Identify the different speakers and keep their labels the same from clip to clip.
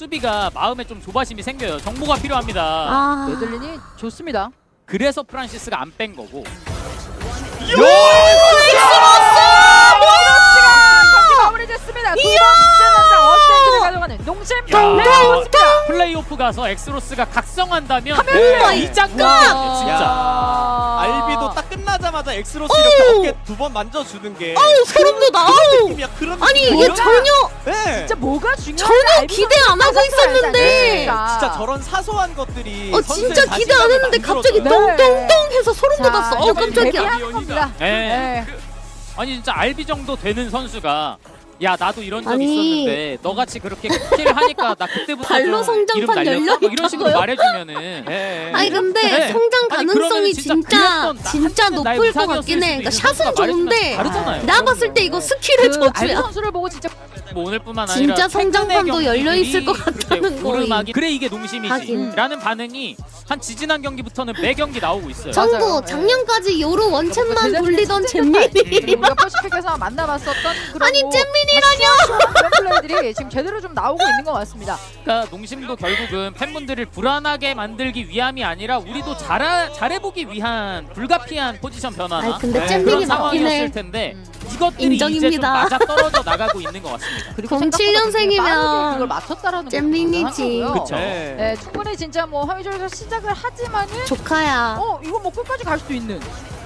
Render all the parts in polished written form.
Speaker 1: 수비가 마음에 좀 조바심이 생겨요. 정보가 필요합니다.
Speaker 2: 아,
Speaker 3: 메들린이 좋습니다.
Speaker 1: 그래서 프란시스가 안 뺀 거고.
Speaker 3: 경기 마무리됐습니다. 두 번째 전장 어센트를 가져가는 농심 레이었습니다.
Speaker 1: 플레이오프 가서 엑스로스가 각성한다면
Speaker 3: 카메라!
Speaker 1: 이 장면이에요, 진짜.
Speaker 4: 알비도 딱 끝나자마자 엑스로스 이렇게 어깨 두 번 만져주는 게
Speaker 2: 소름 돋아.
Speaker 4: 느낌이야. 그런
Speaker 2: 아니
Speaker 4: 느낌이야.
Speaker 2: 이게 전혀
Speaker 4: 네.
Speaker 3: 진짜 뭐가 중요한지
Speaker 2: 전혀
Speaker 3: 알고
Speaker 2: 기대 안 하고 있었는데.
Speaker 4: 네.
Speaker 3: 그러니까.
Speaker 4: 진짜 저런 사소한 것들이
Speaker 2: 진짜 기대 안 했는데 갑자기
Speaker 3: 네.
Speaker 2: 똥똥똥 해서 소름
Speaker 3: 자,
Speaker 2: 돋았어.
Speaker 3: 이거
Speaker 2: 깜짝이야.
Speaker 3: 데뷔하는 겁니다.
Speaker 1: 네.
Speaker 3: 네.
Speaker 1: 아니 진짜 알비 정도 되는 선수가 야 나도 이런 적
Speaker 2: 아니.
Speaker 1: 있었는데 너같이 그렇게 킬을 하니까 나 그때부터
Speaker 2: 발로
Speaker 1: 좀 이름
Speaker 2: 성장판
Speaker 1: 날렸어?
Speaker 2: 열려
Speaker 1: 뭐 이런 식으로
Speaker 2: 있다고요?
Speaker 1: 말해주면은 네.
Speaker 2: 아니 근데
Speaker 1: 네.
Speaker 2: 성장
Speaker 1: 아니,
Speaker 2: 가능성이
Speaker 1: 그러면은
Speaker 2: 진짜
Speaker 1: 진짜 그랬던 나의
Speaker 2: 높을 것
Speaker 1: 우상이었을
Speaker 2: 같긴 해.
Speaker 1: 수도
Speaker 2: 그러니까
Speaker 1: 있는
Speaker 2: 샷은
Speaker 1: 선수가 말해주면
Speaker 2: 좋은데
Speaker 1: 다르잖아요.
Speaker 2: 나 봤을 때 이거 스킬의
Speaker 3: 그 알비
Speaker 2: 저주야.
Speaker 3: 선수를 보고 진짜
Speaker 1: 뭐 오늘뿐만
Speaker 2: 진짜
Speaker 1: 아니라
Speaker 2: 성장판도
Speaker 1: 최근의
Speaker 2: 열려 있을 것
Speaker 1: 경기들이
Speaker 2: 같다는
Speaker 1: 그렇게
Speaker 2: 거임.
Speaker 1: 오르막이 그래 이게 농심이지
Speaker 2: 하긴.
Speaker 1: 라는 반응이 한 지지난 경기부터는 매 경기 나오고 있어요.
Speaker 3: 저-
Speaker 2: 정부
Speaker 3: 맞아요.
Speaker 2: 작년까지 요로 원챔만
Speaker 3: 제대로
Speaker 2: 돌리던
Speaker 3: 된
Speaker 2: 잼민이.
Speaker 3: 우리가 퍼시픽에서 만나봤었던 그런
Speaker 2: 아니
Speaker 3: 뭐
Speaker 2: 잼민이라뇨.
Speaker 3: 그런 플레이들이 지금 제대로 좀 나오고 있는 것 같습니다.
Speaker 1: 그러니까 농심도 결국은 팬분들을 불안하게 만들기 위함이 아니라 우리도 잘해보기 위한 불가피한 포지션 변화나
Speaker 2: 아니 근데
Speaker 4: 네,
Speaker 2: 잼민이
Speaker 1: 그런
Speaker 2: 맞긴
Speaker 1: 상황이었을
Speaker 2: 해.
Speaker 1: 텐데 이것들이 이제 좀
Speaker 2: 인정입니다.
Speaker 1: 맞아 떨어져 나가고 있는 것 같습니다.
Speaker 3: 그리고
Speaker 2: 07년생이면
Speaker 3: 생각보다 그걸 맞췄다라는
Speaker 2: 잼민이지.
Speaker 3: 것도
Speaker 1: 그쵸.
Speaker 4: 네.
Speaker 3: 네, 충분히 진짜 뭐 화미절에서 시작을 하지만은
Speaker 2: 조카야.
Speaker 3: 이거 뭐 끝까지 갈 수도 있는.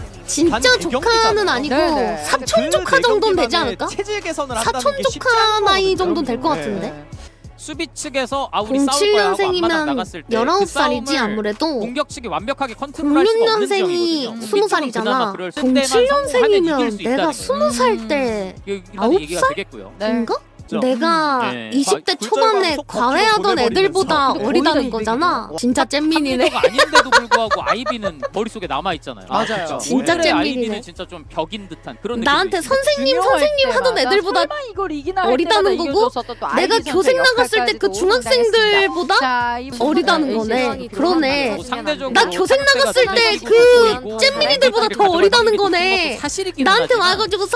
Speaker 2: 진짜
Speaker 4: 단
Speaker 2: 조카는
Speaker 4: 대경기잖아요.
Speaker 2: 아니고
Speaker 3: 네네.
Speaker 2: 사촌 조카 정도는 되지 않을까?
Speaker 4: 체질 개선을 한다는
Speaker 2: 사촌
Speaker 4: 게 쉽지
Speaker 2: 조카 나이
Speaker 4: 않거든요.
Speaker 2: 정도는 될 것
Speaker 4: 네.
Speaker 2: 같은데.
Speaker 1: 수비 측에서 우리 싸울 거야 하고 앞마당
Speaker 2: 07년생이면
Speaker 1: 나갔을 때 그
Speaker 2: 19살이지
Speaker 1: 싸움을
Speaker 2: 아무래도.
Speaker 1: 공격 측이 완벽하게 컨트롤할 수가 없는
Speaker 2: 06년생이
Speaker 1: 지형이거든요.
Speaker 2: 20살이잖아.
Speaker 1: 그럴 상대만 성공하면 이길
Speaker 2: 07년생이면
Speaker 1: 수
Speaker 2: 내가
Speaker 1: 있다는
Speaker 2: 20살 때
Speaker 1: 이런 얘기가
Speaker 2: 9살?
Speaker 1: 되겠고요.
Speaker 3: 네.
Speaker 2: 인가?
Speaker 4: 그렇죠.
Speaker 2: 내가
Speaker 1: 네.
Speaker 2: 20대
Speaker 4: 굴절과
Speaker 2: 초반에
Speaker 4: 속박으로
Speaker 2: 과외하던
Speaker 4: 보내버리면서.
Speaker 2: 애들보다
Speaker 3: 근데
Speaker 2: 어리다는
Speaker 3: 거의 다
Speaker 2: 거잖아. 진짜 잼민이네.
Speaker 1: 한국어가 아닌데도 불구하고 아이비는 머릿속에 남아 있잖아요.
Speaker 3: 맞아요.
Speaker 2: 진짜
Speaker 1: 오늘의
Speaker 2: 잼민이네.
Speaker 1: 아이비는 진짜 좀 벽인 듯한 그런 느낌.
Speaker 2: 나한테 선생님 하던
Speaker 3: 때마다
Speaker 2: 애들보다
Speaker 3: 설마 이걸 이기나 할
Speaker 2: 어리다는
Speaker 3: 때마다
Speaker 2: 거고
Speaker 3: 이겨줬었던 또
Speaker 2: 내가
Speaker 3: 아이비
Speaker 2: 교생
Speaker 3: 선수의
Speaker 2: 나갔을 때 그
Speaker 3: 역할까지도
Speaker 2: 중학생들보다
Speaker 3: 자, 이
Speaker 2: 어리다는
Speaker 3: 부분은
Speaker 2: 거네.
Speaker 3: LCS가
Speaker 2: 그러네.
Speaker 3: 기록을
Speaker 1: 상대적으로
Speaker 2: 나 교생 나갔을 때 그 잼민이들보다 더 어리다는 거네. 나한테 와가지고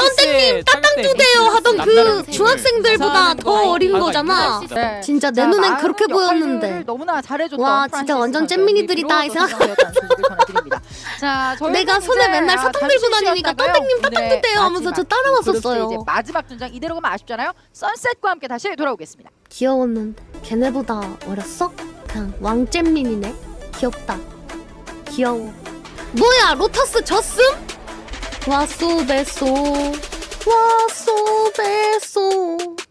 Speaker 2: 선생님 따땅 주세요 하던 그 중학생들보다 더 어린 거잖아.
Speaker 3: 네.
Speaker 2: 진짜 내
Speaker 3: 자,
Speaker 2: 눈엔
Speaker 3: 많은
Speaker 2: 그렇게
Speaker 3: 역할들을
Speaker 2: 보였는데.
Speaker 3: 너무나 잘해줬던
Speaker 2: 와, 진짜 완전 잼민이들이다 이 생각.
Speaker 3: 자,
Speaker 2: 내가 손에 맨날 사탕 들고 다니니까 떤땡님 따땅 주세요 하면서 저 따라왔었어요.
Speaker 3: 이제 마지막 전장 이대로 가면 아쉽잖아요. 선셋과 함께 다시 돌아오겠습니다.
Speaker 2: 귀여웠는데 걔네보다 어렸어? 그냥 왕잼민이네. 귀엽다. 귀여워. 뭐야 로타스 졌음? 와쏘 베쏘 와쏘 베쏘